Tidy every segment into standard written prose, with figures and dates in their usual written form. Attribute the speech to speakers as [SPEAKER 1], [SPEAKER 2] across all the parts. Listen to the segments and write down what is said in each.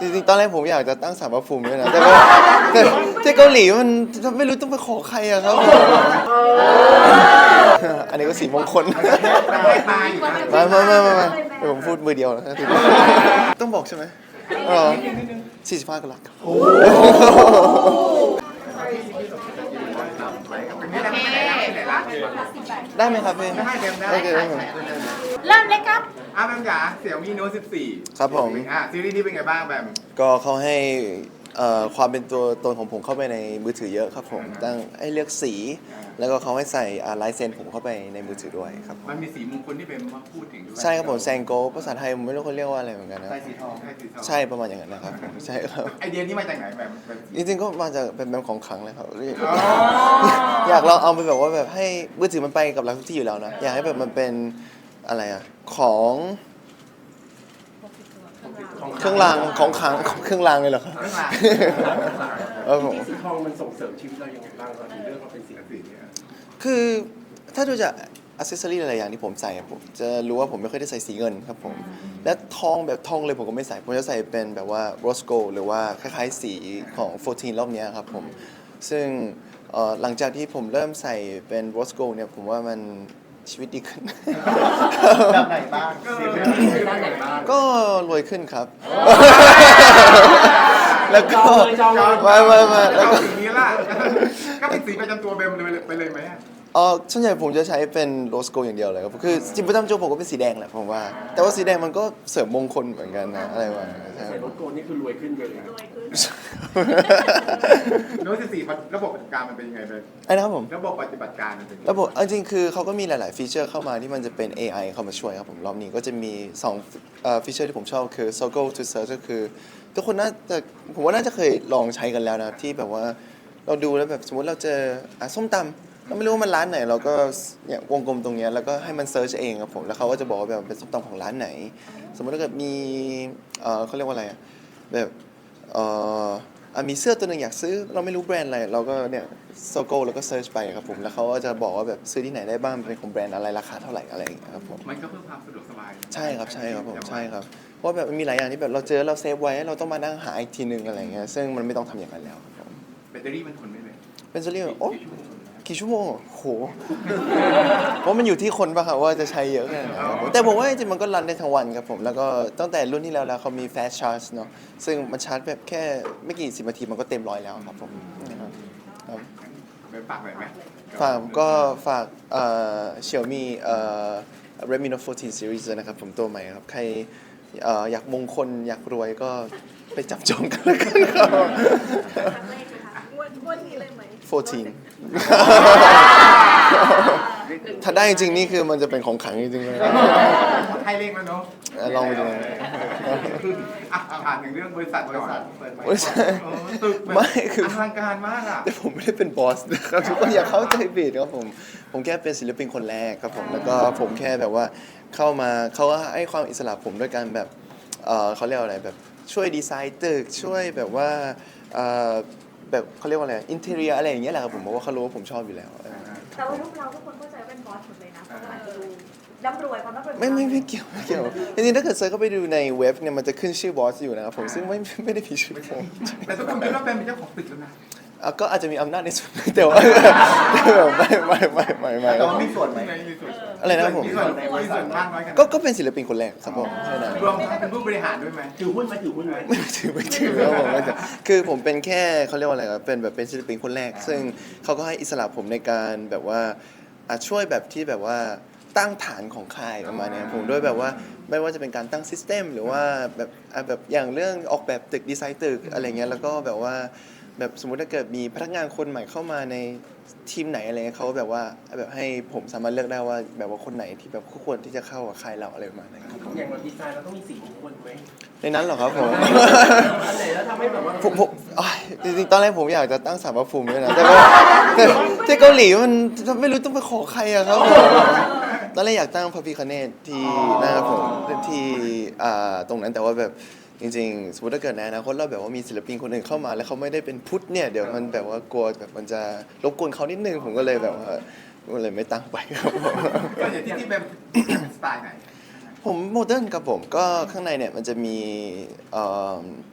[SPEAKER 1] ริงๆตอนแรกผมอยากจะตั้งศาลพระภูมิด้วยนะแต่ที่เกาหลีมันไม่รู้ต้องไปขอใครอะครับอันนี้ก็สีมงคลไม่เดี๋ยวผมพูดมือเดียวนะต้องบอกใช่ไหม45กรัตครับได้ไหมครับพี่ได้
[SPEAKER 2] เริ่มเลยครับ
[SPEAKER 3] แบมจ๋าเสี่ยวมีโน้ต14
[SPEAKER 1] ครับผม
[SPEAKER 3] ซีรีส์นี้เป็นไงบ้างแบม
[SPEAKER 1] ก็เขาให้ความเป็นตัวตนของผมเข้าไปในมือถือเยอะครับผมตั้งให้เลือกสีแล้วก็เขาให้ใส่ลายเซ็นผมเข้าไปในมือถือด้วยครับ
[SPEAKER 3] มันมีสีมงคลที่เป็นมาพูดถึงด้วย
[SPEAKER 1] ใช่ครับผมแซงโกภาษาไทยผมไม่รู้เขาเรียกว่าอะไรเหมือนกันนะ
[SPEAKER 3] ใส่สีทอง
[SPEAKER 1] ใช่ประมาณอย่างนั้นนะครับผมใช่ครับ
[SPEAKER 3] ไอเดียนี้มาจากไหนแบม
[SPEAKER 1] จริงๆก็มาจากเป็นแบบของขลังเลยครับอยากลองเอาไปแบบว่าแบบให้มือถือมันไปกับเราทุกที่อยู่แล้วนะอยากให้แบบมันเป็นอะไรอะของเครื่องรางของขลังเครื่องรางเลยเหรอครับ
[SPEAKER 4] สีทองมันส่งเสริมชีวิตเรายังไงบ้างตอนนี้เรื่องเขาเป็นสีเนี่ย
[SPEAKER 1] คือถ้าดูจากอัซเซสซอรี่หลายๆอย่างที่ผมใส่ผมจะรู้ว่าผมไม่ค่อยได้ใส่สีเงินครับผมและทองแบบทองเลยผมก็ไม่ใส่ผมจะใส่เป็นแบบว่าโรสโกลหรือว่าคล้ายๆสีของ14รอบนี้ครับผมซึ่งหลังจากที่ผมเริ่มใส่เป็นโรสโกลเนี่ยผมว่ามันชีวิตดีขึ้น
[SPEAKER 4] แบบไหนบ้างด้านไหนบ้าง
[SPEAKER 1] ก็รวยขึ้นครับแล้วก็
[SPEAKER 3] มาแล้วก็สีนี้ล่ะก็เป็นสีประจำตัวแบมไปเลยไหม
[SPEAKER 1] ส่วนใหญ่ผมจะใช้เป็นโรสโกอย่างเดียวเลยครับคือจริงๆประจำตัวผมก็เป็นสีแดงแหละผมว่าแต่ว่าสีแดงมันก็เสริมมงคลเหมือนกันนะอะไรวะ
[SPEAKER 4] ใส่โรสโกนี่คือรวยขึ้นเลย
[SPEAKER 3] โน้ต14ระบบปฏิบัติการมันเป็นยังไงเลย
[SPEAKER 1] ไอ้นะครับผม
[SPEAKER 3] ระบบปฏิบัติการมันเป็น
[SPEAKER 1] ระบบจริงๆคือเขาก็มีหลายๆฟีเจอร์เข้ามาที่มันจะเป็น AI เข้ามาช่วยครับผมรอบนี้ก็จะมี2ฟีเจอร์ที่ผมชอบคือ Circle to Search ก็คือทุกคนน่าจะผมว่าน่าจะเคยลองใช้กันแล้วนะที่แบบว่าเราดูแล้วแบบสมมติเราเจอส้มตำเราไม่รู้ว่ามันร้านไหนเราก็เนี่ยวงกลมตรงนี้แล้วก็ให้มันเซิร์ชเองครับผมแล้วเขาก็จะบอกว่าแบบเป็นส้มตำของร้านไหนสมมติถ้าเกิดมีเขาเรียกว่าอะไรแบบมีเสื้อตัวหนึ่งอยากซื้อเราไม่รู้แบรนด์อะไรเราก็เนี่ยโซโก้แล้วก็เซิร์ชไปครับผมแล้วเขาก็จะบอกว่าแบบซื้อที่ไหนได้บ้างเป็นของแบรนด์อะไรราคาเท่าไหร่อะไรอย่างเงี้ยครับผม
[SPEAKER 3] มันก็เพิ่มความสะดวกสบาย
[SPEAKER 1] ใช่ครับผมใช่ครับเพราะแบบมันมีหลายอย่างที่แบบเราเจอเราเซฟไว้เราต้องมานั่งหาอีกทีนึงอะไรเงี้ยซึ่งมันไม่ต้องทำอย่างนั้นแล้วครับ
[SPEAKER 3] แบตเตอรี่มันทนได้ไหม
[SPEAKER 1] เป็นซีรีส์โอ้กี่ชั่วโมงโหเพราะมันอยู่ที่คนป่ะครับว่าจะใช้เยอะแค่ไหนแต่ผมว่าจริงๆมันก็รันได้ทั้งวันครับผมแล้วก็ตั้งแต่รุ่นที่แล้วเขามี fast charge เนาะซึ่งมันชาร์จแบบแค่ไม่กี่10 นาทีมันก็เต็มร้อยแล้วครับผม
[SPEAKER 3] ฝากหน่อยไหม
[SPEAKER 1] ฝากXiaomi Redmi Note 14 Series นะครับผมตัวใหม่ครับใครอยากมงคลอยากรวยก็ไปจับจองกันแล้วกันครับ14ถ้าได้จริงนี่คือมันจะเป็นของขลังจริงๆเลย
[SPEAKER 3] ให้เลขแล้วเนาะ
[SPEAKER 1] ลองไปดู
[SPEAKER 3] ผ่านถึงเรื่องบริษัทตึก
[SPEAKER 1] ไม่คือ
[SPEAKER 3] อลังการมากอ่ะ
[SPEAKER 1] แต่ผมไม่ได้เป็นบอสนะครับทุกคนอย่าเข้าใจผิดครับผมแค่เป็นศิลปินคนแรกครับผมแล้วก็ผมแค่แบบว่าเข้ามาเขาก็ให้ความอิสระผมด้วยการแบบเขาเรียกอะไรแบบช่วยดีไซน์ตึกช่วยแบบว่าแบบเขาเรียกว่าอะไรอินเทอร์เนียอะไรอย่างเงี้ยแหละครับผมเพราะว่าเขารู้ว่าผมชอบอยู่แล้ว
[SPEAKER 2] แต่ว่าลูกเราทุกคนเข้าใจว่าเป็นบอสหมดเลยนะเพราะว่าอาจจะดูร่ำรวยความร่ำรวย
[SPEAKER 1] ไม่เกี่ยวจริงๆถ้าเกิดเซิร์ชเข้าไปดูในเว็บเนี่ยมันจะขึ้นชื่อบอสอยู่นะครับผมซึ่งไม่ได้มีชื่อผม
[SPEAKER 3] แต่ทุกคนคิดว่าเป็นเจ้าของตึกแล้วนะ
[SPEAKER 1] ก็อาจจะมีอำนาจในส่วนนึงแต่ว่าไม่
[SPEAKER 4] แต่ว่ามีส่วนไหม
[SPEAKER 1] อะไรนะผม
[SPEAKER 3] มีส่วนมากน้อยกัน
[SPEAKER 1] ก็เป็นศิลปินคนแรกครับผมใช่นะ
[SPEAKER 3] รวมทั้งเป็นผู้บริหารด้วยไหม
[SPEAKER 4] ถือหุ้นไหม
[SPEAKER 1] ไม่ถือครับผมคือผมเป็นแค่เขาเรียกว่าอะไรครับเป็นศิลปินคนแรกซึ่งเขาก็ให้อิสระผมในการแบบว่าช่วยแบบที่แบบว่าตั้งฐานของค่ายประมาณนี้ผมด้วยแบบว่าไม่ว่าจะเป็นการตั้งซิสเต็มหรือว่าแบบอย่างเรื่องออกแบบตึกดีไซน์ตึกอะไรเงี้ยแล้วก็แบบว่าแบบสมมุติถ้าเกิดมีพนักงานคนใหม่เข้ามาในทีมไหนอะไรเงี้ยเขาแบบว่าแบบให้ผมสามารถเลือกได้ว่าแบบว่าคนไหนที่แบบคู่ควรที่จะเข้ากับค่ายเราอะไรประมาณนั้นครับ
[SPEAKER 4] อย่างเราดีไซน์เราต้องมีสีมงคลไหม
[SPEAKER 1] ในนั้นเหรอครับผม
[SPEAKER 4] อันไหนแล้วทำให้แบบว่า
[SPEAKER 1] ผมจริงๆตอนแรกผมอยากจะตั้งศาลพระภูมิด้วยนะแต่ที่เกาหลีมันไม่รู้ต้องไปขอใครอะครับตอนแรกอยากตั้งพระพิฆเนศที่นะครับผมที่ตรงนั้นแต่ว่าแบบจริงๆสมมติถ้าเกิดในอนาคตเราแบบว่ามีศิลปินคนอื่นเข้ามาแล้วเขาไม่ได้เป็นพุทธเนี่ยเดี๋ยวมันแบบว่ากลัวแบบมันจะรบกวนเขานิดนึงผมก็เลยแบบว่าก็เลยไม่ตั้งไปครับผม
[SPEAKER 3] ก็อย่างที่เป็นสไตล์ไหน
[SPEAKER 1] ผมโมเดิร์นครับผมก็ข้างในเนี่ยมันจะมี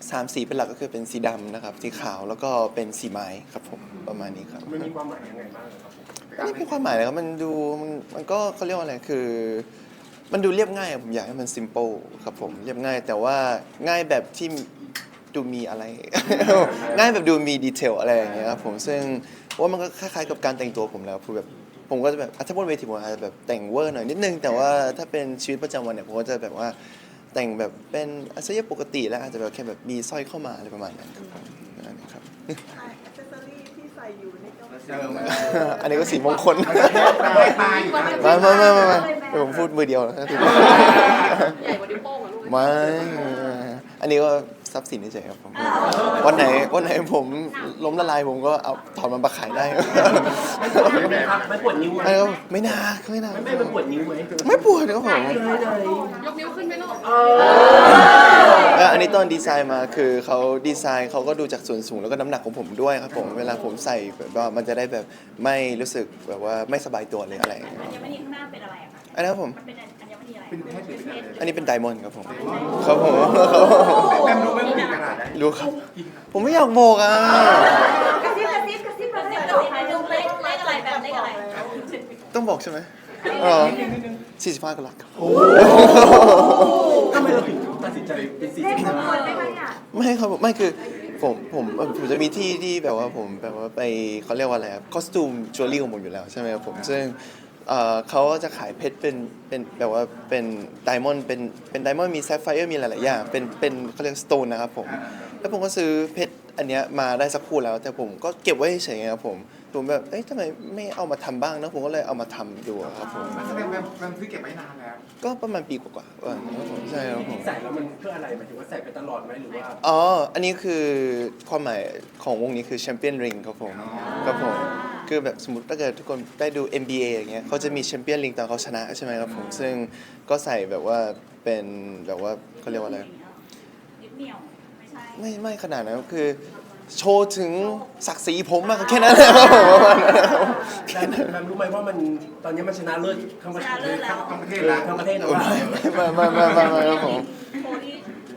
[SPEAKER 1] 3 สีเป็นหลักก็คือเป็นสีดำนะครับสีขาวแล้วก็เป็นสีไม้ครับผมประมาณนี้ครับ
[SPEAKER 5] มันมีความหมายยังไงบ้างครับผม
[SPEAKER 1] ไม่ได้มีความหมายเลยครับมันก็เขาเรียกว่าอะไรคือ มันดูเรียบง่ายอะผมอยากให้มัน simple ครับผมเรียบง่ายแต่ว่าง่ายแบบที่ดูมีอะไร ง่ายแบบดูมีดีเทลอะไรอย่างเงี้ยครับผมซึ่งว่ามันก็คล้ายๆกับการแต่งตัวผมแล้วคือแบบผมก็จะแบบถ้าบนเวทีผมอาจจะแบบแต่งเวอร์หน่อยนิดนึงแต่ว่าถ้าเป็นชีวิตประจำวันเนี่ยผมก็จะแบบว่าแต่งแบบเป็นอาชีพปกติแล้วอาจจะแบบแค่แบบมีสร้อยเข้ามาอะไรประมาณนั้นครับผมนั่นเองครับ
[SPEAKER 6] อิเซสซอรี่ที่ใส่อยู่นี่ก็
[SPEAKER 1] อันนี้ก็สีมงคล
[SPEAKER 3] ไม่ตายอยู่นะ
[SPEAKER 1] ไม่ผมพูดมือเดียวนะ
[SPEAKER 7] ใหญ่กว่านิ้วโป้งอะลูก
[SPEAKER 1] ไม่อันนี้ก็ทรัพย์สินเฉยๆครับผมวันไหนผมล้มละลายผมก็เอาถอนมันมาขายได้
[SPEAKER 5] ไม่ปวดนิ้วไหม
[SPEAKER 1] ไม่นาไม่นา
[SPEAKER 5] ไม่มันปวดนิ้วไหม
[SPEAKER 1] ไม่ปวดครับผม
[SPEAKER 7] ยกนิ้วขึ้นไหมลูก
[SPEAKER 1] อันนี้ตอนดีไซน์มาคือเขาดีไซน์เขาก็ดูจากส่วนสูงแล้วก็น้ำหนักของผมด้วยครับผมเวลาผมใส่แบบว่ามันจะได้แบบไม่รู้สึกแบบว่าไม่สบายตัวเลยอะไรอย่างเงี้ย
[SPEAKER 2] อัญมณีข้างหน้าเป็นอะไรอะคะ
[SPEAKER 1] อันนั้นครับผม
[SPEAKER 2] มันเป็นอัญมณีอะไร
[SPEAKER 3] เป็นเพชรหรือเป็นอะไร
[SPEAKER 1] อันนี้เป็นไดมอนด์ครับผมครับผม
[SPEAKER 3] แบมรู้ไหมว่ากี่กะรัต
[SPEAKER 1] รู้ครับ ผมไม่อยากบอกอ่ะ
[SPEAKER 2] กระซิบกระซิบกระซิบกระซิบกระซิบใครดูเลขอะไรแบบเลขอะไร
[SPEAKER 1] ต้องบอกใช่ไหม45กะรัตครับ
[SPEAKER 5] ทำไมเราถึงตัดสินใจเป็นสี
[SPEAKER 2] เลขมงคลไหมคะเนี่ย
[SPEAKER 1] ไม่ครับผมไม่คือผมจะมีที่แบบว่าผมแบบว่าไปเขาเรียกว่าอะไรครับคอสตูมจิวเวลรี่ของผมอยู่แล้วใช่ไหมครับผมซึ่งเขาจะขายเพชรเป็นแบบว่าเป็นไดมอนด์เป็นไดมอนด์มีแซฟไฟร์มีหลายๆอย่างเป็นเขาเรียกสโตนนะครับผมแล้วผมก็ซื้อเพชรอันเนี้ยมาได้สักคู่แล้วแต่ผมก็เก็บไว้เฉยๆครับผมแบบเอ๊ะทำไมไม่เอามาทำบ้างนะผมก็เลยเอามาทำดูครับผม
[SPEAKER 3] แสดงแบมซื้อเก็บไว้นานแล้ว
[SPEAKER 1] ก็ประมาณปีกว่าๆว่าครับผมใช่ครับผม
[SPEAKER 5] ใส่แล้วมันเพื่ออะไรหมายถึงว่าใส่ไปตลอดไหมหรือว่า
[SPEAKER 1] อ๋อ อันนี้คือความหมายของวงนี้คือแชมเปี้ยนริงครับผมครับผม คือแบบสมมติถ้าเกิดทุกคนได้ดู NBA อย่างเงี้ยเขาจะมีแชมเปี้ยนริงตอนเขาชนะใช่ไหมครับผม ซึ่งก็ใส่แบบว่าเป็นแบบว่าเขาเรียกว่าอะไร
[SPEAKER 2] นิดเหนียวไม่ใช่
[SPEAKER 1] ไม่ขนาดนั้นคือโชว์ถึงศักดิ์ศรีผมมากแค่นั้นแหละครับผมประมาณนั้นครับ
[SPEAKER 5] แล้วรู้ไหมว่ามันตอนนี้มันชนะเลิศทั้งประเทศ
[SPEAKER 3] ทั้งประเทศแล้ว
[SPEAKER 5] ทั้งประเทศแล้ว
[SPEAKER 1] ไม่ครับผม
[SPEAKER 2] โคที่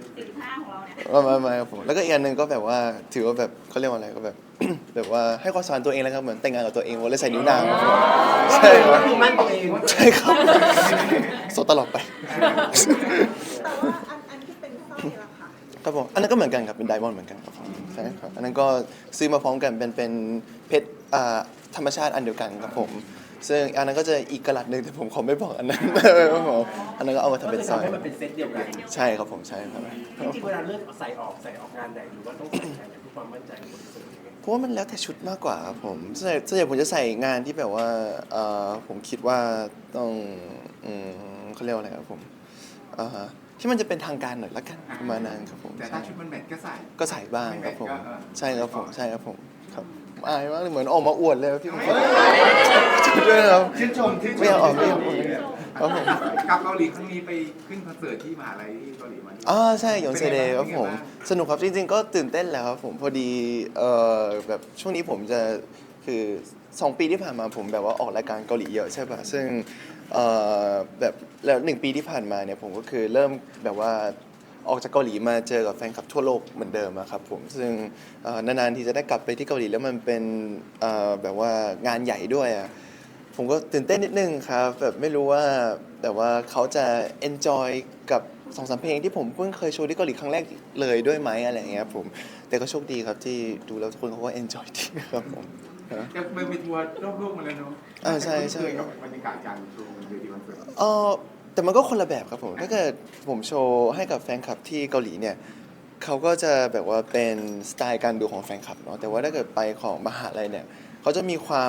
[SPEAKER 2] 45ของเราเนี่ย
[SPEAKER 1] ไม่ครับผมแล้วก็อีกอันหนึ่งก็แบบว่าถือว่าแบบเขาเรียกว่าอะไรก็แบบ แบบว่าให้ความสำคัญตัวเองแล้วครับเหมือนแต่งงานกับตัวเองวันเลยใส่นิ้วนางครับผมใช่ครับ
[SPEAKER 5] คือมั่นตัวเอง
[SPEAKER 1] ใช่ครับโซตลอดไป
[SPEAKER 6] แต่ว่าอันที่เป็นสร้อยล่ะค่ะ
[SPEAKER 1] ครับผมอันนั้นก็เหมือนกันครับเป็นไดมอนด์เหมือนกันครับผมใช่ครับอันนั้นก็ซื้อมาพร้อมกันเป็นเพชรธรรมชาติอันเดียวกันครับผมซึ่งอันนั้นก็จะอีกกะลัดหนึ่งแต่ผมขอไม่บอกอันนั้น ครับผมอันนั้นก็เอามาทำเป็นสร้อย
[SPEAKER 5] ให้มันเป็นเซตเดียวกัน
[SPEAKER 1] ใช่ครับผมใช่ครับ
[SPEAKER 5] จริงๆเวลาเลือกใส่ออกงานไหนหรือว่าต้องใส่งานไหนเพื่อความมั่นใจของคนที่ใส่ยังไง
[SPEAKER 1] เพราะว่ามันแล้วแต่ชุดมากกว่าครับผมส่วนใหญ่ผมจะใส่งานที่แบบว่าผมคิดว่าต้องเขาเรียกว่าอะไรครับผมที่มันจะเป็นทางการหน่อยละกันประมาณนั้นครับผม
[SPEAKER 3] แต่ถ้าชุดมันแมทก็ใส่
[SPEAKER 1] ก็ใส่บ้างครับผม
[SPEAKER 3] ไม่แมทก็
[SPEAKER 1] ใช่ครับผมใช่ครับผมครับอายมากเลยเหมือนออกมาอวดเลยพี่ผมด้วยครับ
[SPEAKER 3] ชื่นชม
[SPEAKER 1] ไม่อยากออกไม่อยากออกครับผม
[SPEAKER 3] กลับเกาหลีครั้งนี้ไปขึ้นคอนเสิร์ตที่มหาลัยที่เกาหลีมา
[SPEAKER 1] ใช่หยงเซเดย์ครับผมสนุกครับจริงๆก็ตื่นเต้นแหล้วครับผมพอดีแบบช่วงนี้ผมจะคือ2 ปีที่ผ่านมาผมแบบว่าออกรายการเกาหลีเยอะใช่ป่ะซึ่งแบบแล้ว1 ปีที่ผ่านมาเนี่ยผมก็คือเริ่มแบบว่าออกจากเกาหลีมาเจอกับแฟนคลับทั่วโลกเหมือนเดิมอะครับผมซึ่งนานๆทีจะได้กลับไปที่เกาหลีแล้วมันเป็นแบบว่างานใหญ่ด้วยอะผมก็ตื่นเต้นนิดนึงครับแบบไม่รู้ว่าแต่ว่าเขาจะ enjoy กับ2-3 เพลงที่ผมเพิ่งเคยโชว์ที่เกาหลีครั้งแรกเลยด้วยไหมอะไรอย่างเงี้ยผมแต่ก็โชคดีครับที่ดูแล้วทุกคนเขาก็ enjoy ดีครับผม
[SPEAKER 3] จะเดินไปทัวร์รอบโลกมาแล้วเนาะ
[SPEAKER 1] ใช่ใช่
[SPEAKER 3] เคยกับบรรยากาศการโชว์เวทีคอนเสิร์ต
[SPEAKER 1] แต่มันก็คนละแบบครับผมถ้าเกิดผมโชว์ให้กับแฟนคลับที่เกาหลีเนี่ยเขาก็จะแบบว่าเป็นสไตล์การดูของแฟนคลับเนาะแต่ว่าถ้าเกิดไปของมหาลัยเนี่ยเขาจะมีความ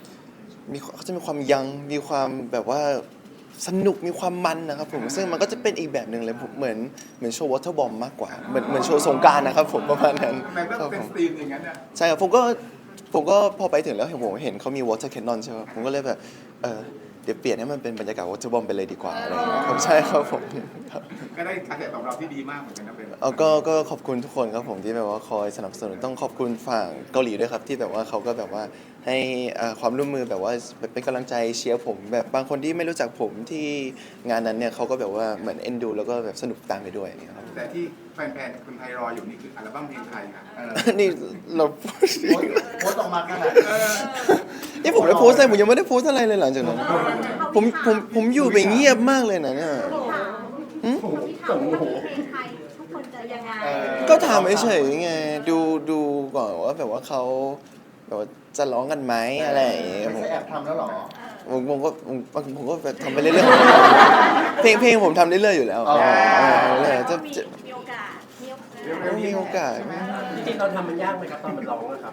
[SPEAKER 1] ยังมีความแบบว่าสนุกมีความมันนะครับผมซึ่งมันก็จะเป็นอีกแบบหนึ่งเลยผมเหมือนโชว์วอเตอร์บอมมากกว่าเหมือนโชว์สงกรานต์นะครับผมประมาณนั้น
[SPEAKER 3] แบบ
[SPEAKER 1] ครั
[SPEAKER 3] เป็
[SPEAKER 1] บ
[SPEAKER 3] น
[SPEAKER 1] ผม
[SPEAKER 3] สตรีมอย่างนั้นอ่ะ
[SPEAKER 1] ใช่ครับผมก็พอไปถึงแล้วผมเห็นเขามี water cannon ใช่ไหมผมก็เลยแบบเดี๋ยวเปลี่ยนให้มันเป็นบรรยากาศ water bomb ไปเลยดีกว่าอะไรอย่างเงี้ยครับใช่ครับผมครับ
[SPEAKER 3] ก็ได้กระแสตอบรับที่ดีมากเหมือนกันนะเป็น
[SPEAKER 1] ก็ขอบคุณทุกคนครับผมที่แบบว่าคอยสนับสนุนต้องขอบคุณฝั่งเกาหลีด้วยครับที่แบบว่าเขาก็แบบว่าให้ความร่วมมือแบบว่าเป็นกำลังใจเชียร์ผมแบบบางคนที่ไม่รู้จักผมที่งานนั้นเนี่ยเขาก็แบบว่าเหมือนเอ็นดูแล้วก็แบบสนุกตามไปด้วยอย่างเงี้ยครับ
[SPEAKER 3] แต่ที่แฟนๆคนไทยรออยู่นี่คืออัลบั้มเพลงไทยค่ะ
[SPEAKER 1] นี่เรา
[SPEAKER 4] โพสต์ออกมาขนาดนี้
[SPEAKER 1] นี่ผมได้โพสต์อะไรผมยังไม่ได้โพสต์อะไรเลยหลังจากนั้นผมอยู่ไปเงียบมากเลยนะเนี่ย
[SPEAKER 2] ที่ถามว่าเพลงไทยทุกคนจะยังไง
[SPEAKER 1] ก็ถามเฉยๆไงดูก่อนว่าแบบว่าเขาแบบว่าจะร้องกันไหมอะไรอย่างเงี้ย
[SPEAKER 4] ไม่ใช่แอบทำแล้วเหรอ
[SPEAKER 1] ผมก็แบบทำไปเรื่อยๆเพลงผมทำเรื่อยๆอยู่แล้ว
[SPEAKER 4] อ๋อ
[SPEAKER 1] เรื่อยๆจะ
[SPEAKER 2] มีโอกาส
[SPEAKER 1] มีโอกาส
[SPEAKER 5] จริงๆตอนทำมันยากไหมครับตอนมันร้องนะครับ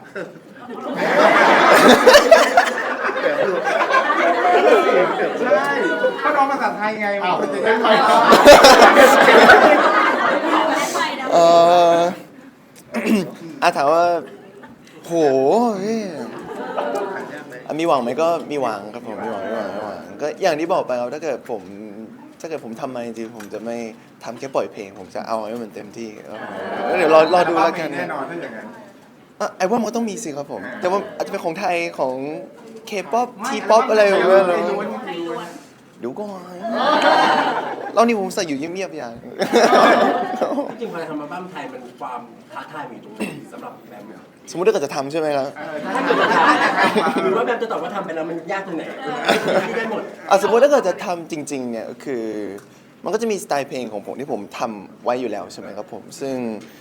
[SPEAKER 3] ใช่เขาร้องภาษาไทยไงมันจะยากไหม
[SPEAKER 1] เออ ถามว่าโหเฮ้ยมีหวังไหมก็มีหวังครับผมมีหวังก็อย่างที่บอกไปครับถ้าเกิดผมทำมาจริงๆผมจะไม่ทำแค่ปล่อยเพลง ผมจะเอาให้มันเต็มที่ครับผมแล้วเดี๋ยวรอดูแล้วกัน
[SPEAKER 3] แน่นอนถ้าอย่างนั้น
[SPEAKER 1] ไอ้ว่ามันก็ต้องมีสิครับผม แต่ว่าอาจจะเป็นของไทยของ K-pop T-pop อะไรแบบนี้เลยดูก่อนเรานี่ผมใส่อยู่เงียบๆอย่าง
[SPEAKER 5] จริงๆพอทำอัลบั้มไทยมันความท้าทายมีตรงไหนสำหรับแบมเนี่ย
[SPEAKER 1] สมมติถ้าเกิดจะทำใช่ไหมครับ
[SPEAKER 5] ถ้าเกิดจะทำหรือว่าแบมจะตอบว่าทำไปแล้วมันยากตรงไหนที่ได้หมด
[SPEAKER 1] สมมติถ้าเกิดจะทำจริงๆเนี่ยก็คือมันก็จะมีสไตล์เพลงของผมที่ผมทำไว้อยู่แล้วใช่ไหมครับผมซึ่ง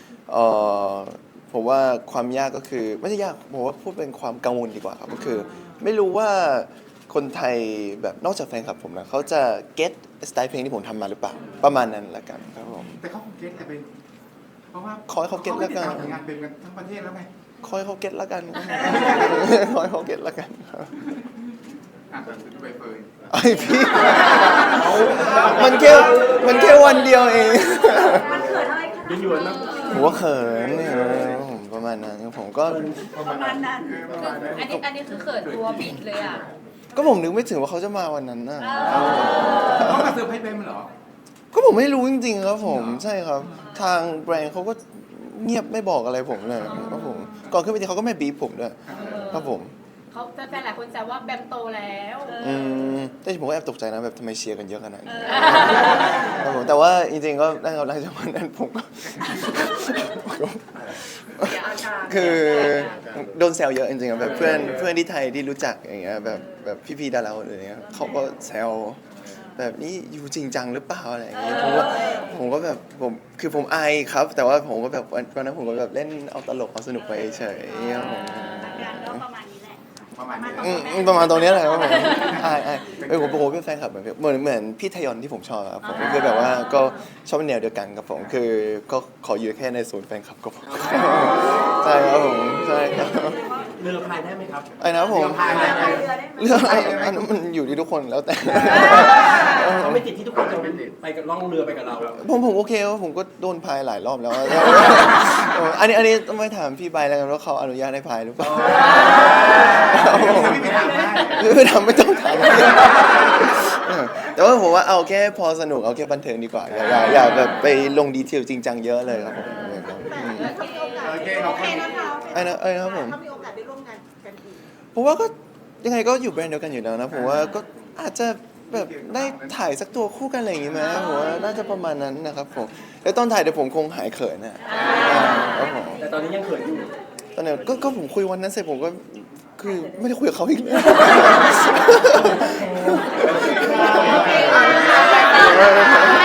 [SPEAKER 1] ผมว่าความยากก็คือไม่ใช่ยากผมว่าพูดเป็นความกังวลดีกว่าครับก็คือไม่รู้ว่าคนไทยแบบนอกจากแฟนคลับผมนะเขาจะเก็ตสไตล์เพลงที่ผมทำมาหรือเปล่าประมาณนั้นละกันครับผม
[SPEAKER 3] แต่เขาคงเก็ตแต่เป็นเพราะว่า
[SPEAKER 1] ขอให้เขาเก็ตแล้วกัน
[SPEAKER 3] ขาไม่ได้ตามผลงานเป็นกันทั้งประเทศแล้วไง
[SPEAKER 1] คอยเขาเก็ตละกัน คอยเขาเก็ตละกันครับ
[SPEAKER 3] ดูใบเฟิร์น
[SPEAKER 1] ไอพี่มันแค่วันเดียวเอง
[SPEAKER 2] มันเกิดอะไรขนาด
[SPEAKER 5] หยวนๆนะ
[SPEAKER 1] ผมว่าเขินเนี่ยผมประมาณนั้นผมก็
[SPEAKER 2] ประมาณนั้น
[SPEAKER 7] อันนี้คือเขินตัวบิดเลยอ่ะ
[SPEAKER 1] ก็ผมนึกไม่ถึงว่าเขาจะมาวันนั้นน่ะ
[SPEAKER 3] เขามาเซอร์ไพรส์เบมเหรอ
[SPEAKER 1] ก็ผมไม่รู้จริงๆครับผมใช่ครับ ทางแบรนด์เขาก็เงียบไม่บอกอะไรผมเลยครับผมก่อนขึ้นไปทีเขาก็ไม่บีบผมด้วยครับผม
[SPEAKER 7] เขาแฟนๆหลายคนแซวว่าแบมโตแล้ว
[SPEAKER 1] แต่ผมก็แอบตกใจนะแบบทำไมเชียร์กันเยอะขนาดนี้ครับผมแต่ว่าจริงๆก็ได้ครับหลังจากวันนั้นผมก็ คือโดนแซวเยอะจริงๆอะแบบเพื่อนที่ไทยที่รู้จักอย่างเงี้ยแบบพี่ๆดาราคนอื่นเนี่ยเขาก็แซวแบบนี้อยู่จริงจังหรือเปล่าอะไรอย่างเงี้ยผมก็แบบผมอายครับ แต่ว่าผมก็แบบวันนั้นผมก็แบบเล่นเอาตลกเอาสนุกไปเฉยๆครับผม
[SPEAKER 2] งานก็ประมาณนี้แหละ
[SPEAKER 3] ประมาณนี้
[SPEAKER 1] ประมาณตรงเนี้ยแหละครับผมอายผมเป็นแฟนคลับเหมือนพี่ทยอนที่ผมชอบครับผมคือแบบว่าก็ชอบแนวเดียวกันกับผมคือก็ขออยู่แค่ในศูนย์แฟนคลับก็พอใช่ครับผมใช่ครับ
[SPEAKER 5] เรือพายได้ไหมครับ
[SPEAKER 1] ไอ้นะผม
[SPEAKER 3] พายได้ไหม
[SPEAKER 1] เรื่องอันนั้นมันอยู่ที่ทุกคนแล้วแต่
[SPEAKER 5] เขาไม่ติดที่ทุกคนจะไปกับล่องเรือไปกับเรา
[SPEAKER 1] ผมโอเคว่าผมก็โดนพายหลายรอบแล้ว อันนี้ต้องไปถามพี่ใบแล้วกันว่าเขาอนุญาตให้พายหรือเปล่า
[SPEAKER 3] ไม่ไปถามได้
[SPEAKER 1] ไม่ต้องถามแต่ว่าผมว่าเอาแค่พอสนุกเอาแค่บันเทิงดีกว่าอย่าแบบไปลงดีเทลจริงจังเยอะเลยครับผม
[SPEAKER 6] แต่ถ้ามีโอกาส
[SPEAKER 3] โอเคขอบคุณ
[SPEAKER 6] นะคะ
[SPEAKER 1] ไอ้นะครับผม
[SPEAKER 6] ถ้ามีโอกาสได้ร่วมงานกันอีก
[SPEAKER 1] ผมว่าก็ยังไงก็อยู่แบรนด์เดียวกันอยู่แล้วนะผมว่าก็อาจจะแบบได้ถ่ายสักตัวคู่กันอะไรอย่างงี้ไหมผมว่าน่าจะประมาณนั้นนะครับผมแล้วตอนถ่ายเดี๋ยวผมคงหายเขินนะครับผม
[SPEAKER 5] แต่ตอนนี้ยังเขินอยู่
[SPEAKER 1] ตอนนี้ก็ผมคุยวันนั้นเสร็จผมก็คือไม่ได้คุยกับเขาอีกเลย